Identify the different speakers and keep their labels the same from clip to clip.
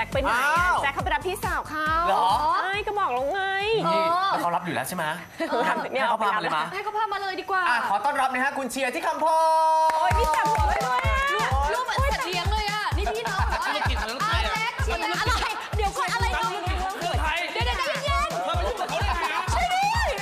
Speaker 1: ไปไหนแจ็คเขาไปรับพี่สาวเขา
Speaker 2: เหรอ
Speaker 1: ใช่ก็บอกแล้วไง
Speaker 2: เขารับอยู่แล้วใช่ไหมเนี่ยเขาพามาเลยมา
Speaker 3: ให้เขาพามาเลยดีกว่า
Speaker 2: ขอต้อนรับนะฮะคุณเชียร์ที่คำพร
Speaker 1: โอ้ยนี่จับหัวไปด้วย
Speaker 3: ลูกเหมือนสัตว์เลี้ยงเลยอ่ะนี่พี่น้อง
Speaker 4: ธุรกิจอะไร
Speaker 3: อะไรเดี๋ยวก่อนอะไรน้อง
Speaker 4: เมืองไทย
Speaker 3: เดี๋ยวเย็น
Speaker 4: เธอไปยุ่งกับเขาได้ไงอ่ะ
Speaker 3: ใช่ดิ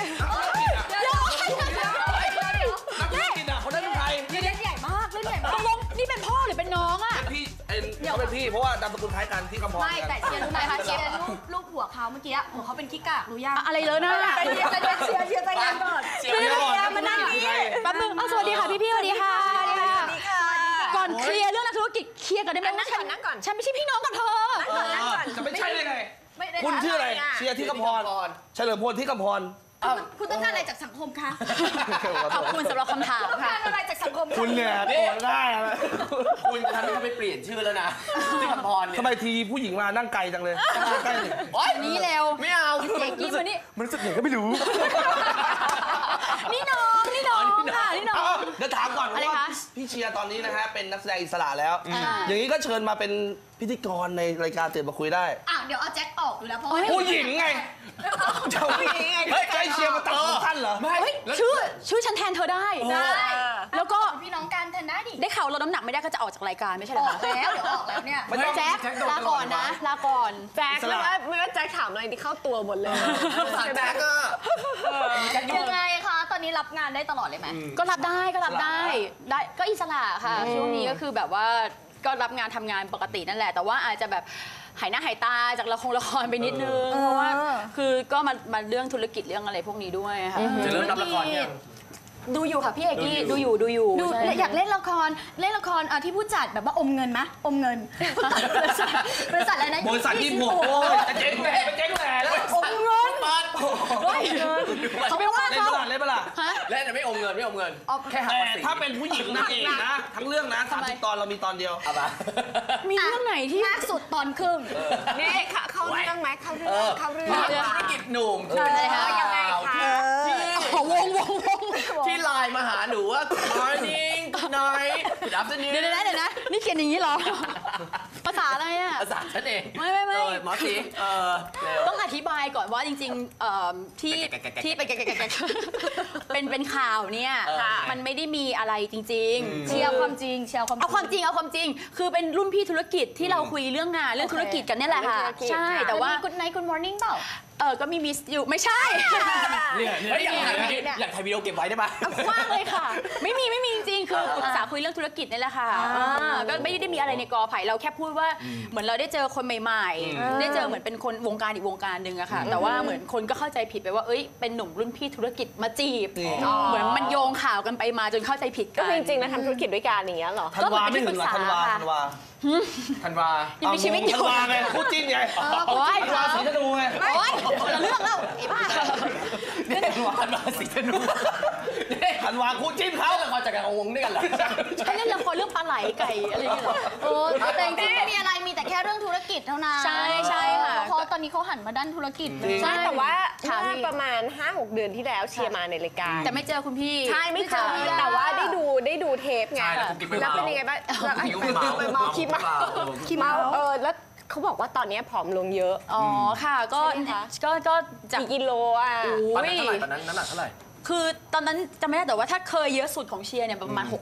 Speaker 4: นักธุรกิจอ่ะเขาได้เมืองไทย
Speaker 3: เล่นใหญ่มากตกลงนี่เป็นพ่อหรือเป็นน้องอ่ะ
Speaker 4: พี่เขาเป็นพี่เพราะว่านามสกุลคล้ายกันที่คำพร
Speaker 3: ไม่แต่เชียร์รู้ไหมคะเชียร์ลูกหัวเขาเมื่อกี้หัวเขาเป็นขี้กากรู้ยัง
Speaker 1: อะไรเลยนะ
Speaker 3: เชียร์ใจเย็นก่อน
Speaker 4: เชียร์ก่อน
Speaker 1: มานั่งนี่
Speaker 3: แป๊บนึงสวัสดีค่ะพี่สวัสดีค่ะก่อนเคลียร์เรื่องนักธุรกิจเคลียร์กันได้ไหม
Speaker 1: นั่งก่อน
Speaker 3: ฉันไม่ใช่พี่น้องกับเธอ
Speaker 4: จะไม่ใช่ได้ไงคุณชื่ออะไรเชียร์ที่คำพรเฉลิมพลที่คำพร
Speaker 3: คุณต้องการอะไรจากสังคมคะ
Speaker 1: ขอบคุณสำหรับคำถามค่ะ
Speaker 3: ต้องการอะไรจากสังคม
Speaker 4: คุณเนี่ยโกรธได้
Speaker 2: คุณทำให้เขาไปเปลี่ยนชื่อแล้วนะที่คำพรเนี่ย
Speaker 4: ทำไมทีผู้หญิงมานั่งไกลจังเลยใกล้เลย
Speaker 1: นี่เร็ว
Speaker 2: ไม่เอา
Speaker 1: เด็กกี้มานี่
Speaker 4: มันรู้สึกไงก็ไม่รู้
Speaker 1: นี่น้องค่ะนี่น้อง
Speaker 4: เดี๋ยวถามก่อนว่าพี่เชียร์ตอนนี้นะฮะเป็นนักแสดงอิสระแล้วอย่างนี้ก็เชิญมาเป็นพิธีกรในรายการตื่นมาคุยได้
Speaker 3: เดี๋ยวเอาแจ็คออกอยู่แล้วเพราะ
Speaker 4: ผู้หญิงไงเจ้าผู้หญิงไงใกล้เชียร์มาตัดของท่านเหรอ
Speaker 1: ไม่ชื่อฉันแทนเธอได้แล้วก็
Speaker 3: พี่น้องกันแทนได้ดิ
Speaker 1: ได้ข่าวลดน้ำหนักไม่ได้ก็จะออกจากรายการไม่ใช่เหรอ
Speaker 3: แล้วเดี๋ยวออกแล้วเนี่ย
Speaker 1: แจ็คลาก่อนนะลาก่อน
Speaker 5: แจ็คไม่ว่าแจ็คถามอะไรที่เข้าตัวหมดเลย
Speaker 2: แจ็คก็
Speaker 3: ยังไงคะตอนนี้รับงานได้ตลอดเลยไหม
Speaker 1: ก็รับได้ก็อิสระค่ะช่วงนี้ก็คือแบบว่าก็รับงานทำงานปกตินั่นแหละแต่ว่าอาจจะแบบหายหน้าหายตาจากละครไปนิดนึงเพราะว่าคือก็มาเรื่องธุรกิจเรื่องอะไรพวกนี้ด้วยค่ะ
Speaker 2: จะเริ่มรับละครยัง
Speaker 1: ดูอยู่ค่ะพี่เอกกี้ดูอยู่
Speaker 3: อยากเล่นละครที่ผู้จัดแบบว่าอมเงินไหมอมเงินบริษัทอะไรนะ
Speaker 4: บริษัทที่ผมจะเจ๊งแหล่แล้ว
Speaker 3: อมเงิน
Speaker 1: เขาไม่ว่า
Speaker 4: เล่นเปล่า
Speaker 2: เล่นแต่ไม่อมเงินแค่หักภาษี
Speaker 4: ถ้าเป็นผู้หญิงนางเอกนะทั้งเรื่องนะ30 ตอนเรามีตอนเดียว
Speaker 1: มีเรื่องไหนที่
Speaker 3: มากสุดตอนครึ่ง
Speaker 5: นี่เข้าเรื่องไหมเข้าเรื่อง
Speaker 2: ธุรกิจหนุ่ม
Speaker 5: ยังไงคะ
Speaker 1: วง
Speaker 2: ที่ไลน์มาหาหนูว่า Good morning Good night Good afternoon
Speaker 1: เดี๋ยวนะนี่เขียนอย่างนี้เหรอภาษาอะไรอ่ะ
Speaker 2: ภาษาฉันเอง
Speaker 1: ไม่
Speaker 2: หมอสี
Speaker 1: ต้องอธิบายก่อนว่าจริงๆที่เป็นข่าวเนี่ยมันไม่ได้มีอะไรจริงๆ
Speaker 3: เชียร์ความจริง
Speaker 1: เอาความจริงคือเป็นรุ่นพี่ธุรกิจที่เราคุยเรื่องงานเรื่องธุรกิจกันนี่แหละค่ะใช่แต่ว่า
Speaker 3: Good night Good morning เปล่า
Speaker 1: ก็มีมิสอยู่ไม่ใช่
Speaker 2: อยากถ่ายวิดีโอเก็บไว้ได้ปะ
Speaker 1: กว้างเลยค่ะไม่มีจริงๆคือปรึกษาคุยเรื่องธุรกิจนี่แหละค่ะก็ไม่ได้มีอะไรในกอไผ่เราแค่พูดว่าเหมือนเราได้เจอคนใหม่ๆได้เจอเหมือนเป็นคนวงการอีกวงการหนึ่งอะค่ะแต่ว่าเหมือนคนก็เข้าใจผิดไปว่าเอ้ยเป็นหนุ่มรุ่นพี่ธุรกิจมาจีบเหมือนมันโยงข่าวกันไปมาจนเข้าใจผิดกัน
Speaker 5: ก็จริงๆนะทำธุรกิจด้วยกันอย่างเงี้ยหรอ
Speaker 4: ธันวาไม่ถึงหรอธันวา
Speaker 1: ยังมีชีวิตอยู่
Speaker 4: ธันวาไงคู่จิ้นไง
Speaker 1: โอ้ย
Speaker 4: ธันวาสีธนูไง
Speaker 1: โอ้ยคนละเรื่องแล้วไอ้บ้า
Speaker 2: ธันวาสีธนู
Speaker 4: ธันวาคู่จิ้นเขา
Speaker 2: ละครจากการวงด้วยกันเหรอ
Speaker 1: ให้เล่นละครเรื่องปลาไหลไก่อะไรอย่างเงี้ยเหรอ
Speaker 3: แต่จริงๆไม่มีอะไรมีแต่แค่เรื่องธุรกิจเท่านั้น
Speaker 1: ใช่ค่ะ
Speaker 3: เพราะตอนนี้เขาหันมาด้านธุรกิจ
Speaker 5: ใช่แต่ว่าประมาณ 5-6 เดือนที่แล้วเชียร์มาในรายการ
Speaker 1: แต่ไม่เจอคุณพี่
Speaker 5: ใช่ไม่เจอแต่ว่าได้ดูเทปไงแล้วเป็นยังไงบ้างคิดมาแล้วเขาบอกว่าตอนนี้ผอมลงเยอะ
Speaker 1: ค่ะก็
Speaker 5: จากกิโลอ่ะ
Speaker 2: ตอนนั้นน้ำหนักเท่าไหร่
Speaker 1: คือตอนนั้นจำไม่ได้แต่ว่าถ้าเคยเยอะสุดของเชียร์เนี่ยประมาณ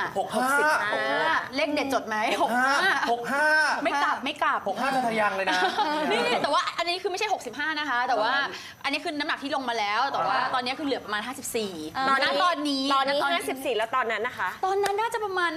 Speaker 1: 65เลขเด็ดจดไหม65ไม่กลับ
Speaker 2: 65ทะยังเลยนะ
Speaker 1: นี่แต่ว่าอันนี้คือไม่ใช่65นะคะแต่ว่าอันนี้คือน้ำหนักที่ลงมาแล้วแต่ว่าตอนนี้คือเหลือประมาณ54ตอนนี้
Speaker 5: 54แล้วตอนนั้นนะคะ
Speaker 1: ตอนนั้นน่าจะประมาณ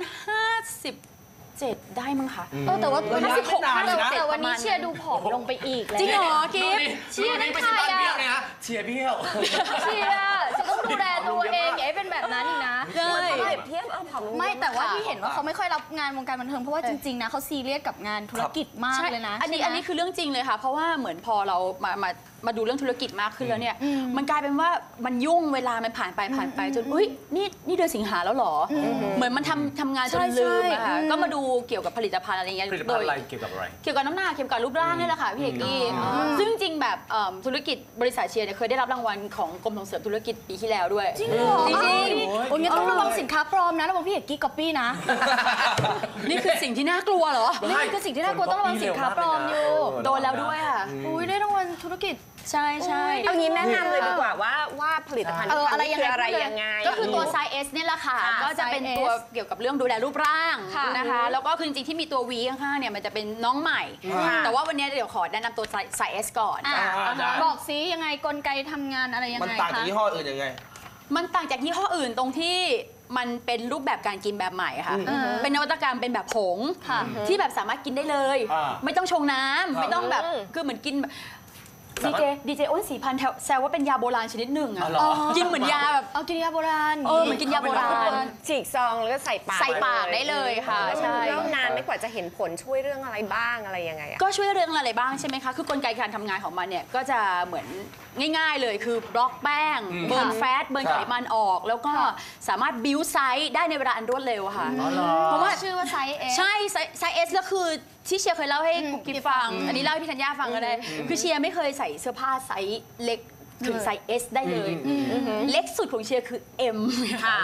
Speaker 1: 57ได้มั้งคะ
Speaker 3: แต่ว่า
Speaker 1: 56
Speaker 3: แต่วันนี้เชียร์ดูผอมลงไปอีก
Speaker 1: จริงเหรอกิฟ
Speaker 2: เชียร์นั่นใครอะเชียร์เบี้ยว
Speaker 3: เชียร์จะต้องดูแลตัวเองอย่าให้เป็นแบบนั้นอีกนะ
Speaker 1: ใช่
Speaker 5: เทียบผอมลง
Speaker 3: ไม่แต่ว่าที่เห็นว่าเขาไม่ค่อยรับงานวงการบันเทิงเพราะว่าจริงๆนะเขาซีเรียสกับงานธุรกิจมากเลยนะ
Speaker 1: อันนี้คือเรื่องจริงเลยค่ะเพราะว่าเหมือนพอเรามาดูเรื่องธุรกิจมากขึ้นแล้วเนี่ยมันกลายเป็นว่ามันยุ่งเวลามันผ่านไปจนอุ้ยนี่เดือนสิงหาแล้วหรอเหมือนมันทำงานจนลืมอะค่ะก็มาดูเกี่ยวกับผลิตภัณฑ์อะไรเงี้ย
Speaker 2: ผลิตภัณฑ์อะไรเกี่ยวกับอะไร
Speaker 1: เกี่ยวกับน้ำหนักเกี่ยวกับรูปร่างนี่แหละค่ะพี่เอกกี้ซึ่งจริงแบบธุรกิจบริษัทเชียร์เนี่ยเคยได้รับรางวัลของกรมส่งเสริมธุรกิจปีที่แล้วด้วย
Speaker 3: จริงเหรอ
Speaker 1: จริง
Speaker 3: โอ้ยงั้นต้องระวังสินค้าปลอมนะระวังพี่เอกกี้ก๊อปปี้นะ
Speaker 1: ๆนี่คือสิ่งที่น่ากลัวเหรอ
Speaker 3: นี่คือสิ่งที่น่ากลัวต้องระวังสินค้าปลอมอยู่
Speaker 1: โดนแล้วด้วยค่ะ
Speaker 3: อุ้ยได้รางวัลธุรกิจ
Speaker 1: ใช่ใช่
Speaker 5: เอางี้แนะนำเลยดีกว่าว่าผลิตภัณฑ์ที่
Speaker 3: อะไร
Speaker 5: ทำ
Speaker 3: ยังไง
Speaker 5: คืออะไร
Speaker 3: พูดเลย
Speaker 5: ยังไง
Speaker 1: ก็คือตัวไซส์ S เนี่ยแหละค่ะ
Speaker 3: ค่ะ
Speaker 1: ก็จะเป็น
Speaker 3: size
Speaker 1: ตัว
Speaker 3: S
Speaker 1: เกี่ยวกับเรื่องดูแลรูปร่าง
Speaker 3: ค่ะ
Speaker 1: นะคะ แล้วก็คือจริงๆที่มีตัว V ข้างๆเนี่ยมันจะเป็นน้องใหม่ แต่ว่าวันนี้เดี๋ยวขอแนะนำตัวไซส์ S ก่อน
Speaker 3: อ่ะ
Speaker 4: ได้
Speaker 3: บอกซิยังไงกลไกทำงานอะไรยัง
Speaker 4: มัน
Speaker 3: ไง
Speaker 4: ต่างจาก
Speaker 3: คะ
Speaker 4: ยี่ห้ออื่นยังไง
Speaker 1: มันต่างจากยี่ห้ออื่นตรงที่มันเป็นรูปแบบการกินแบบใหม่ค่ะ เป็นนวัตกรรมเป็นแบบผง
Speaker 3: ค่ะ
Speaker 1: ที่แบบสามารถกินได้เลย ไม่ต้องชงน้ำไม่ต้องแบบคือเหมือนกินดีเจอ้น4,000แซวว่าเป็นยาโบราณชนิดหนึ่งอะกินเหมือนยาแบบ
Speaker 3: เอากินยาโบราณ
Speaker 1: เหมือนกินยาโบราณ
Speaker 5: ฉีกซองแล้วก็ใส่ปาก
Speaker 1: ใส่ปากได้เลยค่ะใช่
Speaker 5: แล้วนานไม่กว่าจะเห็นผลช่วยเรื่องอะไรบ้างอะไรยังไงอะ
Speaker 1: ก็ช่วยเรื่องอะไรบ้างใช่ไหมคะ คือกลไกการทำงานของมันเนี่ยก็จะเหมือนง่ายๆเลยคือบล็อกแป้ง เบิร์นแฟต เบิร์นไขมันออก แล้วก็สามารถบิวไซส์ได้ในเวลาอันรวดเร็วค่ะ
Speaker 3: เพราะว่าชื่อว่าไซส์ S
Speaker 1: ใช่ไซส์ S แล้วคือที่เชียร์เคยเล่าให้กุ๊กกิ๊บฟัง อันนี้เล่าให้พี่ธัญญาฟังก็ได้ คือเชียร์ไม่เคยใส่เสื้อผ้าไซส์เล็กถึงไซส์ S ได้เลย เล็กสุดของเชียร์คือ M ค่ะ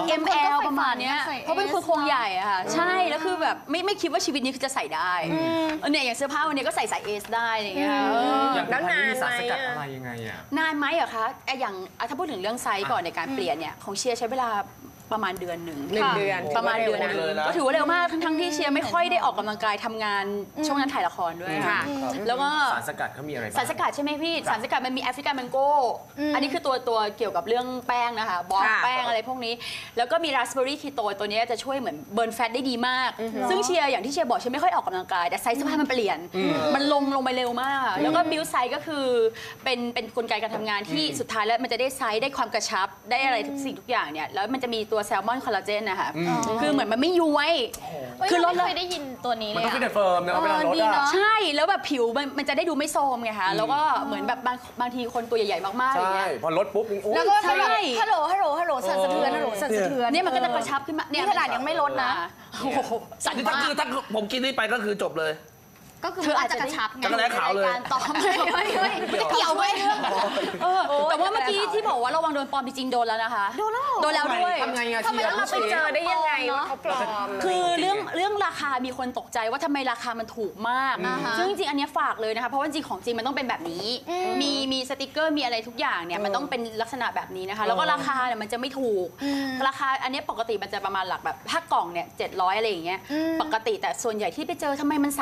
Speaker 1: ML ประมาณเนี้ยเพราะเป็นคนโครงใหญ่อะค่ะ ใช่ แล้วคือแบบไม่คิดว่าชีวิตนี้คือจะใส่ได้เนี่ยอย่างเสื้อผ้าวันนี้ก็ใส่ไซส์ S ได้อะไรอย่างเงี้ย
Speaker 5: แล้วนานไหม
Speaker 2: สารสกัดอะไรยังไงอ่ะ
Speaker 1: นานไหมอะคะอย่างถ้าพูดถึงเรื่องไซส์ก่อนในการเปลี่ยนเนี่ยของเชียร์ใช้เวลาประมาณเดือนหนึ่ง
Speaker 5: 1 เดือน
Speaker 1: ประมาณเดือนหนึง
Speaker 4: เลยนะ
Speaker 1: ก็ถือว่าเร็วมากทั้งที่เชียร์ไม่ค่อยได้ออกกำลังกายทำงานช่วงนั้นถ่ายละครด้วยค่ะ แล้วก็
Speaker 2: สารสกัดเขามีอะไรบ้าง
Speaker 1: สารสกัดใช่ไหมพี่สารสกัดมันมีแอฟริกันแมงโก้อันนี้คือตัวเกี่ยวกับเรื่องแป้งนะคะบล็อก
Speaker 5: ค่ะ
Speaker 1: แป้งอะไรพวกนี้ แล้วก็มีราสเบอร์รี่คีโตตัวนี้จะช่วยเหมือนเบิร์นแฟตได้ดีมาก ซึ่งเชียร์อย่างที่เชียร์บอกเชียร์ไม่ค่อยออกกำลังกายแต่ไซส์เสื้อผ้ามันเปลี่ยน มันลงไปเร็วมาก แล้วก็บิวไซส์ก็คือเป็นกลไกการทำงานที่สุดท้ายแล้วมันจะได้ไซส์ได้ความกระชับได้อะไรทุกสิ่งทุกอย่างเนี่ยแล้วมันจะมีตัวแซลมอนคอลลาเจนนะคะคือเหมือนมันไม่ย้วย
Speaker 3: คื
Speaker 1: คือ อ
Speaker 3: เรา
Speaker 1: ลด
Speaker 3: ไม่เคยได้ยินตัวนี้
Speaker 2: มัน
Speaker 3: เลย
Speaker 2: ต้อง
Speaker 3: อะ
Speaker 2: ฟิตเฟิร์มนะเวลาลด
Speaker 3: ดี
Speaker 2: อ่ะ
Speaker 3: เนาะ
Speaker 1: ใช่แล้วแบบผิวมันจะได้ดูไม่โทรมไงคะแล้วก็เหมือนแบบบางทีคนตัวใหญ่ๆมากๆอย่าง
Speaker 2: ใช่
Speaker 1: เงี้ย
Speaker 2: พอลดปุ๊บนี่โอ้ย
Speaker 3: แล้วก็
Speaker 1: ใช่
Speaker 3: แบบฮัลโหลสั่นสะเทือนฮัลโหลสั่นสะเทือน
Speaker 1: เนี่ยมันก็จะกระชับขึ้นมาเนี่ย
Speaker 3: นี่ขนาดยังไม่ลดนะ
Speaker 1: โอ้โหสั่น
Speaker 4: นี่
Speaker 1: มา
Speaker 4: ถ้าก ผมกินนี่ไปก็คือจบเลย
Speaker 3: ก็คืออาจจะกระชับไง
Speaker 4: จักรแร้ขาวเลย
Speaker 3: การต่อไม่ไม่เกี่ยวไหม
Speaker 1: แต่ว่าเมื่อกี้ที่บอกว่าระวังโดนปลอมจริงๆโดนแล้วนะคะ
Speaker 3: โดนแล้วเหรอ
Speaker 1: โดนแล้วด้วย
Speaker 2: ทำไงอะ
Speaker 5: ทำไมเราไปเจอได้ยังไงว่าเขาปลอม
Speaker 1: คือเรื่องราคามีคนตกใจว่าทำไมราคามันถูกมาก ซึ่งจริงๆอันเนี้ยฝากเลยนะคะเพราะว่าจริงของจริงมันต้องเป็นแบบนี้ มีสติกเกอร์มีอะไรทุกอย่างเนี่ยมันต้องเป็นลักษณะแบบนี้นะคะ แล้วก็ราคาเนี่ยมันจะไม่ถูก ราคาอันเนี้ยปกติมันจะประมาณหลักแบบถ้ากล่องเนี่ย700อะไรอย่างเงี้ยปกติแต่ส่วนใหญ่ที่ไปเจอทำไมมัน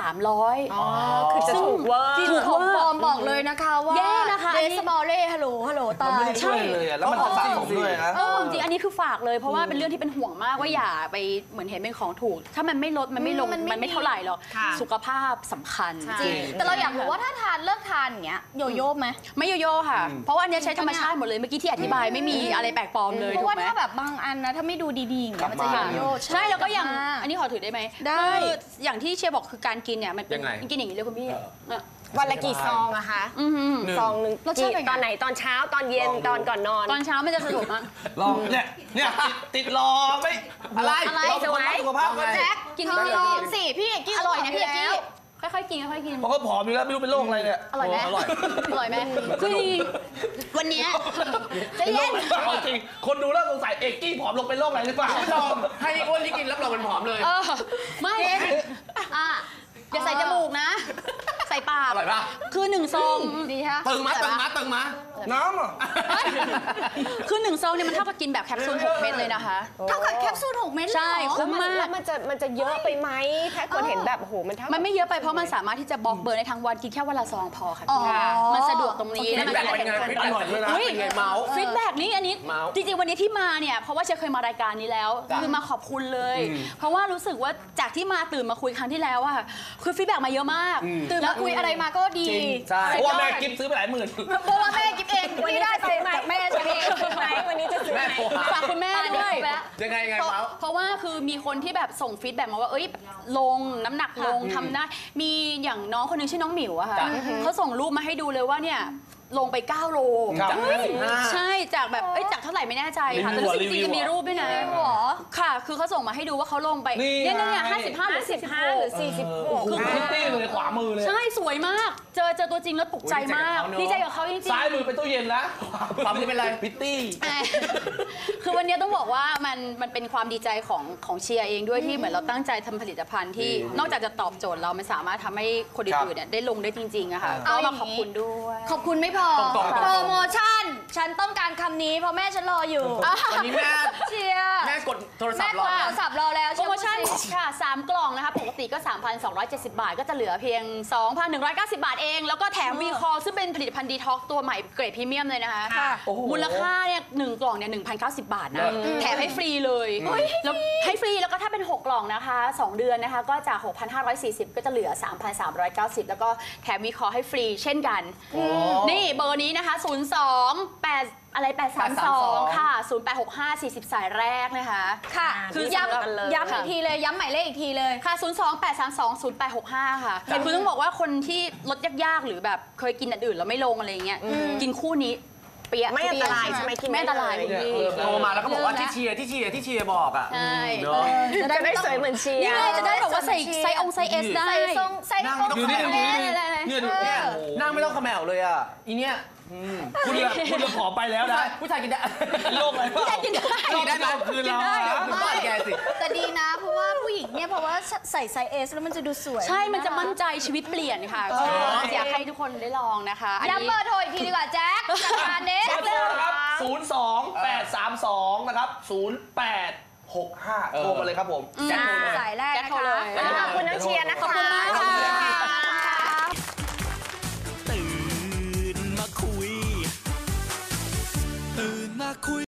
Speaker 1: 300
Speaker 5: คือจะถูกเวอร์
Speaker 3: กินของปลอมบอกเลยนะคะว่า
Speaker 1: แย่นะคะอั
Speaker 3: เด
Speaker 1: นนี้
Speaker 3: สมอลเล่ฮัลโหลตา
Speaker 4: มันไม่
Speaker 3: ย
Speaker 4: ได้ช่วยเลยอะแล้วมันจะสะสมด้วยนะ
Speaker 1: จริงๆอันนี้คือฝากเลยเพราะว่าเป็นเรื่องที่เป็นห่วงมากว่าอย่าไปเหมือนเห็นเป็นของถูก ถ้ามันไม่ลดมันไม่ลง
Speaker 3: มันไม่
Speaker 1: มันไม่เท่าไหร่หรอก
Speaker 5: ค่ะ
Speaker 1: สุขภาพสำคัญ
Speaker 3: จริงแต่เราอยากรู้ว่าถ้าทานเลิกทานอย่างเงี้ยโยโย่ไหม
Speaker 1: ไม่โยโย่ค่ะ เพราะว่าอันเนี้ยใช้ธรรมชาติหมดเลยเมื่อกี้ที่อธิบายไม่มีอะไรแปลกปลอมเลย
Speaker 3: เพราะ
Speaker 1: ถูก
Speaker 3: ว่า
Speaker 1: ไหม
Speaker 3: ถ้าแบบบางอันนะถ้าไม่ดูดีๆอย่างเงี้ยมันจะโยโย่
Speaker 1: ใช่แล้วก็อย่างอันนี้ขอถือได้ไหม
Speaker 3: ได้
Speaker 1: คืออย่างที่เชียร์บอกคือการกินเนี่ยมันเป็น
Speaker 2: ยังไง
Speaker 1: กินอย่างนี้เลยคุณพี่เนี่ย
Speaker 5: วันละกี่ซองอะคะ ซองหนึ่ง
Speaker 3: รสชาติเป็นไง
Speaker 5: ตอนไหนตอนเช้าตอนเย็นตอนก่อนนอน
Speaker 1: ตอนเช้ามันจะสะดวกมาก
Speaker 4: ลองเนี่ยติดรอไม่อะไร
Speaker 3: อะไร
Speaker 4: เราเป็นคนรักสุขภาพไง
Speaker 3: แจ็ค
Speaker 1: กิน
Speaker 3: เธอ
Speaker 1: ไม่
Speaker 3: ล
Speaker 1: ล
Speaker 3: อ
Speaker 1: อง
Speaker 3: งสิพี่เอกกี้
Speaker 1: อร่อยนะพี่เอกกี้
Speaker 3: แล้ว
Speaker 1: ค่อยๆกินค่อยๆกิน
Speaker 4: เพราะเขาผอมอยู่แล้วไม่รู้เป็นโรคอะไรเนี่ย
Speaker 1: อร่อยไหม
Speaker 4: อร่อย
Speaker 1: อร่อยไหมคือจริงๆวันเนี้ยใจะเย็น
Speaker 4: เอาจริงคนดูแล้วสงสัยเอกกี้ผอมลงเป็นโรคอะไรหรือเปล่า
Speaker 2: ลองให้อ้วนที่กินรับรองมันผอมเลย
Speaker 1: ไม่อย่าใส่จมูกนะ ใส่ปาก
Speaker 2: อร่อยป่ะ
Speaker 1: คือ1 ซอง
Speaker 3: ดีฮะ
Speaker 2: ตึงมาตึงมาตึงมา
Speaker 4: น้ำอ่ะ
Speaker 1: คือ1 ซองเนี่ยมันเท่ากับกินแบบแคปซูล6 เม็ดเลยนะคะ
Speaker 3: เท่ากับแคปซูล6 เม็ดเลย
Speaker 1: ใช่
Speaker 3: เหรอ
Speaker 1: คุ้มมาก
Speaker 5: แล้วมันจะเยอะไปไหมถ้าคนเห็นแบบโอ้โหมันเท่า
Speaker 1: มันไม่เยอะไปเพราะมันสามารถที่จะบล็อกเบอร์ในทั้งวันกินแค่วันละซองพอค่ะ
Speaker 3: อ๋อ
Speaker 1: มันสะดวกตรงนี้
Speaker 2: ฟี
Speaker 1: แล้ว
Speaker 2: ด
Speaker 1: มัน
Speaker 2: แบ็ก
Speaker 1: ก็
Speaker 2: เป็นไงฟีดแบ็ก
Speaker 4: อร่อยด้วยนะ
Speaker 2: เป็นไงเมาส์
Speaker 1: ฟีดแบ็กนี่อันนี้
Speaker 2: เมาส์
Speaker 1: จริงๆวันนี้ที่มาเนี่ยเพราะว่าเชยเคยมารายการนี้แล้วคือมาขอบคุณเลย เพราะว่ารู้สึกว่าจากที่มาตื่นมาคุยครั้งที่แล้วอะคือฟีดแบ็กมาเยอะมาก
Speaker 3: ตื่นมาคุยอะไรมาก็ดี
Speaker 4: ใช่เพราะว่าแม่กิฟซื้อไปหลายหมื่น
Speaker 3: เพราะว่าแม่กิฟเองวันนี้ได้ไปจากแม่ใช่ไหม
Speaker 5: ไหนวันนี้จะซื้อไหน
Speaker 1: ฝากคุณแม่ด้วย
Speaker 2: ยังไงเมาส์
Speaker 1: เพราะว่าคือมีคนที่แบบส่งฟีดแบ็กมาว่าเอ้ยลงน้ำหนักลงทำได้มีอย่างน้องคนหนึงชื่อน้องหมิวอะค่ะเขาส่งรูปมาให้ดูเลยว่าเนี่ยลงไป 9 โล
Speaker 4: ครับ
Speaker 2: จาก55
Speaker 1: ใช่จากแบบจากเท่าไหร่ไม่แน่ใจค่ะแต่รู้สึกจริงๆมีรูปด้วยนะค่ะคือเขาส่งมาให้ดูว่าเขาลงไป
Speaker 4: นี่
Speaker 1: เนี่ย
Speaker 4: ไง
Speaker 1: 55 หรือ
Speaker 5: 55 หรือ 46
Speaker 4: คือพิตตี้เลยขวามือเลย
Speaker 1: ใช่สวยมากเจอตัวจริงแล้วตกใจมากดีใจกับเขาจริงๆ
Speaker 4: ซ้ายมือเป็นตู้เย็นนะ
Speaker 2: ความนี้เป็นไร
Speaker 4: พิตตี้
Speaker 1: คือวันนี้ต้องบอกว่ามันเป็นความดีใจของเชียร์เองด้วยที่เหมือนเราตั้งใจทำผลิตภัณฑ์ที่นอกจากจะตอบโจทย์เรามันสามารถทำให้คนอื่นๆเนี่ยได้ลงได้จริงๆอะค่ะก็มาขอบคุณด้วย
Speaker 3: ขอบคุณไม่พอ
Speaker 2: ตรงๆ
Speaker 3: โปรโมชั่น ฉันต้องการคำนี้เพราะแม่ฉันรออยู่
Speaker 2: ตอนนี้แม่
Speaker 3: เชียร์
Speaker 2: แม่กดโทรศัพ
Speaker 3: แม่
Speaker 2: ท์
Speaker 3: ก
Speaker 2: รอ
Speaker 3: ดโทรศัพท์รอแล้ว
Speaker 1: โปรโมชั่นค่ะ 3 กล่องนะคะ ปกติก็ 3,270 บาท ก็จะเหลือเพียง 2,190 บาทเอง แล้วก็แถมวีคอซึ่งเป็นผลิตภัณฑ์ดีท็อกตัวใหม่เกรดพรีเมียมเลยนะคะ
Speaker 4: โอ้โห
Speaker 1: มูลค่าเนี่ย1กล่องเนี่ย1,090 บาทนะ แถมให้ฟรีเลยแล้วให้ฟรีแล้วก็ถ้าเป็น 6 กล่องนะคะ 2 เดือนนะคะ ก็จาก 6,540 ก็จะเหลือ 3,390 แล้วก็แถมวีคอให้ฟรีเช่นกัน นี่เบอร์นี้นะคะ 832 ค่ะ 0865 40 สายแรกนะคะ
Speaker 3: ค่ะ
Speaker 1: คือ
Speaker 3: ย้
Speaker 1: สำหรับกันเลย
Speaker 3: ำย้ำอีกทีเลย ย้ำหมายเลขอีกทีเลย
Speaker 1: ค่ะ 028320865 ค่ะคือต้องบอกว่าคนที่ลดยากๆ หรือแบบเคยกินอันอื่นแล้วไม่ลงอะไรเงี้ย กินคู่นี้เปียะ
Speaker 5: ไม่อันตรายใช่ไหมกิน
Speaker 1: ไม่อันตราย
Speaker 5: ได้เลย
Speaker 1: คุณพี่
Speaker 2: โทรมาแล้วก็บอกว่าที่เชียร์บอกอ่ะ
Speaker 1: ใช่
Speaker 2: เนอะ
Speaker 5: จะได้สวยเหมือนเชีย
Speaker 1: นี่
Speaker 5: ร์
Speaker 1: ไงจะได้แบบว่าใส่ไซส์ไซส์ S ได้
Speaker 3: ใส่ทรงใส่
Speaker 2: นั่ง
Speaker 3: ทรง
Speaker 2: ดูนี่
Speaker 3: ใส่
Speaker 2: ดูนี่
Speaker 3: อะไร
Speaker 2: เนี่ยดูเนี่ยนั่งไม่ต้องเขมวเลยอ่ะอีเนี่ยคุณจะขอไปแล้วนะผู้ชายกินได้โลกอะไรเปล่า
Speaker 1: ผู้ชายกินได้
Speaker 2: กินได้ไหมคืนเราคุณบ้านแกสิ
Speaker 3: แต่ดีนะ เพราะว่าผู้หญิงเนี่ยเพราะว่าใส่ไซส์ S แล้วมันจะดูสวย
Speaker 1: ใช่ มันจะมั่นใจชีวิตเปลี่ยนค่ะก็อยากให้ทุกคนได้ลองนะคะอัน
Speaker 3: ย้ำ
Speaker 1: นี้
Speaker 3: เบอร์โทรอีกทีดีกว่าแจ็คจัดการเน้
Speaker 4: เบอร์โทรนะครับ 02832 นะครับ 0865 โทรมาเลยครับผม
Speaker 3: สายแรก
Speaker 1: แจ็ค
Speaker 3: นะ
Speaker 1: โทรเล
Speaker 3: คะ
Speaker 1: ย
Speaker 5: ขอบคุณน้องเชียร์นะคะ